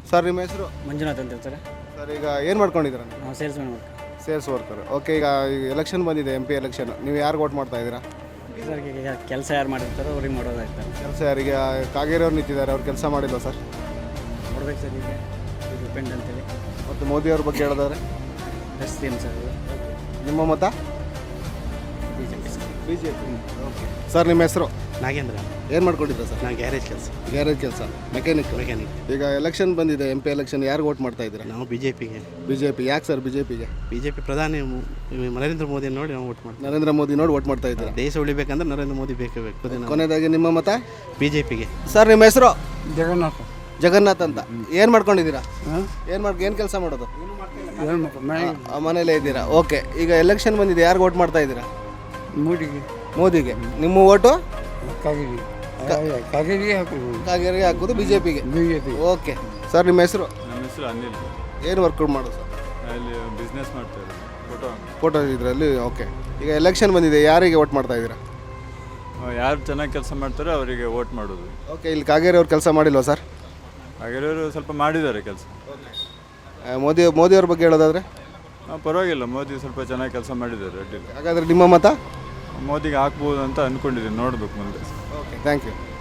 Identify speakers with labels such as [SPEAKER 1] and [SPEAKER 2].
[SPEAKER 1] Sir ನಿಮ್ಮ ಹೆಸರು?
[SPEAKER 2] ಮಂಜುನಾಥ್ ಅಂತ ಹೇಳ್ತಾರೆ.
[SPEAKER 1] ಸರ್ ಈಗ ಏನು ಮಾಡ್ಕೊಂಡಿದ್ದೀರಾ?
[SPEAKER 2] ನಾವು salesman work.
[SPEAKER 1] Sales worker. Okay, ಈಗ ಎಲೆಕ್ಷನ್ ಬಂದಿದೆ, MP ಎಲೆಕ್ಷನ್. ನೀವು ಯಾರು ವೋಟ್ ಮಾಡ್ತಾ ಇದ್ದೀರಾ?
[SPEAKER 2] ಸರ್ ಈಗ ಕೆಲಸ ಯಾರು ಮಾಡಿರ್ತಾರೋ ಅವ್ರಿಗೆ ಮಾಡೋದಾಗ್ತಾರೆ.
[SPEAKER 1] ಕೆಲಸ ಯಾರಿಗೆ? ಕಾಗೇರಿ ಅವ್ರು ನಿಂತಿದ್ದಾರೆ, ಅವ್ರು ಕೆಲಸ ಮಾಡಿಲ್ವ ಸರ್?
[SPEAKER 2] ನೋಡ್ಬೇಕು ಸರ್, ಈಗ ಇದು ಡಿಪೆಂಡ್ ಅಂತೇಳಿ.
[SPEAKER 1] ಮತ್ತು ಮೋದಿ ಅವ್ರ ಬಗ್ಗೆ ಹೇಳಿದ್ರೆ
[SPEAKER 2] ಬೆಸ್ಟ್ ಏನು ಸರ್ ಅದು.
[SPEAKER 1] ನಿಮ್ಮ ಮತ?
[SPEAKER 2] BJP sir.
[SPEAKER 1] BJP. Okay sir ನಿಮ್ಮ ಹೆಸರು?
[SPEAKER 3] ನಾಗೇಂದ್ರ.
[SPEAKER 1] ಏನು ಮಾಡ್ಕೊಂಡಿದ್ದೀರಾ ಸರ್?
[SPEAKER 3] ನಾವು ಗ್ಯಾರೇಜ್ ಕೆಲಸ.
[SPEAKER 1] ಗ್ಯಾರೇಜ್ ಕೆಲಸ, ಮೆಕ್ಯಾನಿಕ್. ಈಗ ಎಲೆಕ್ಷನ್ ಬಂದಿದೆ, MP ಎಲೆಕ್ಷನ್. ಯಾರು ವೋಟ್ ಮಾಡ್ತಾ ಇದ್ದೀರಾ?
[SPEAKER 3] ನಾವು BJPಗೆ.
[SPEAKER 1] BJP. ಯಾಕೆ ಸರ್ BJPಗೆ?
[SPEAKER 3] BJP ಪ್ರಧಾನಿ ನರೇಂದ್ರ ಮೋದಿ ನೋಡಿ ನಾವು ವೋಟ್ ಮಾಡ್ತೀವಿ.
[SPEAKER 1] ನರೇಂದ್ರ ಮೋದಿ ನೋಡಿ ವೋಟ್ ಮಾಡ್ತಾ ಇದ್ದೀರಾ?
[SPEAKER 3] ದೇಶ ಉಳಿಬೇಕಂದ್ರೆ ನರೇಂದ್ರ ಮೋದಿ ಬೇಕೇ ಬೇಕು.
[SPEAKER 1] ಕೊನೆಯದಾಗಿ ನಿಮ್ಮ ಮತ?
[SPEAKER 3] BJPಗೆ.
[SPEAKER 1] ಸರ್ ನಿಮ್ಮ ಹೆಸರು?
[SPEAKER 2] ಜಗನ್ನಾಥ.
[SPEAKER 1] ಜಗನ್ನಾಥ್ ಅಂತ. ಏನು ಮಾಡ್ಕೊಂಡಿದ್ದೀರಾ? ಏನು ಕೆಲಸ ಮಾಡೋದು? ಮನೇಲೇ ಇದ್ದೀರಾ? ಓಕೆ, ಈಗ ಎಲೆಕ್ಷನ್ ಬಂದಿದೆ, ಯಾರು ವೋಟ್ ಮಾಡ್ತಾ ಇದ್ದೀರಾ?
[SPEAKER 2] ಮೂಡಿಗೆ.
[SPEAKER 1] ಮೋದಿಗೆ. ನಿಮ್ಮ ಓಟು?
[SPEAKER 2] ಕಾಗೇರಿ. ಕಾಗೇರಿಗೆ ಹಾಕೋದು.
[SPEAKER 1] ಕಾಗೇರಿಗೆ ಹಾಕೋದು, BJPಗೆ.
[SPEAKER 2] BJP.
[SPEAKER 1] ಓಕೆ ಸರ್ ನಿಮ್ಮ ಹೆಸರು?
[SPEAKER 4] ನಮ್ಮ ಹೆಸರು ಅನಿಲ್.
[SPEAKER 1] ಏನು ವರ್ಕ್ ಮಾಡೋದು ಸರ್?
[SPEAKER 4] ಅಲ್ಲಿ ಬಿಸ್ನೆಸ್ ಮಾಡ್ತಾ ಇರೋದು.
[SPEAKER 1] ಫೋಟೋ ಇದರಲ್ಲಿ. ಓಕೆ, ಈಗ ಎಲೆಕ್ಷನ್ ಬಂದಿದೆ, ಯಾರಿಗೆ ವೋಟ್ ಮಾಡ್ತಾ ಇದ್ದೀರಾ?
[SPEAKER 4] ಯಾರು ಚೆನ್ನಾಗಿ ಕೆಲಸ ಮಾಡ್ತಾರೋ ಅವರಿಗೆ ವೋಟ್ ಮಾಡೋದು.
[SPEAKER 1] ಓಕೆ, ಇಲ್ಲಿ ಕಾಗೇರಿ ಅವ್ರು ಕೆಲಸ ಮಾಡಿಲ್ವಾ ಸರ್?
[SPEAKER 4] ಹಾಗಾದ್ರೆ ಸ್ವಲ್ಪ ಮಾಡಿದ್ದಾರೆ ಕೆಲಸ.
[SPEAKER 1] ಮೋದಿ ಅವ್ರ ಬಗ್ಗೆ ಹೇಳೋದಾದ್ರೆ?
[SPEAKER 4] ಪರವಾಗಿಲ್ಲ, ಮೋದಿ ಸ್ವಲ್ಪ ಚೆನ್ನಾಗಿ ಕೆಲಸ ಮಾಡಿದ್ದಾರೆ ಅಡ್ಡಿಲ್ಲ.
[SPEAKER 1] ಹಾಗಾದರೆ ನಿಮ್ಮ ಮತ?
[SPEAKER 4] ಮೋದಿಗೆ ಹಾಕ್ಬೋದು ಅಂತ ಅಂದ್ಕೊಂಡಿದ್ದೀನಿ, ನೋಡಬೇಕು ಮುಂದೆ.
[SPEAKER 1] Okay, thank you.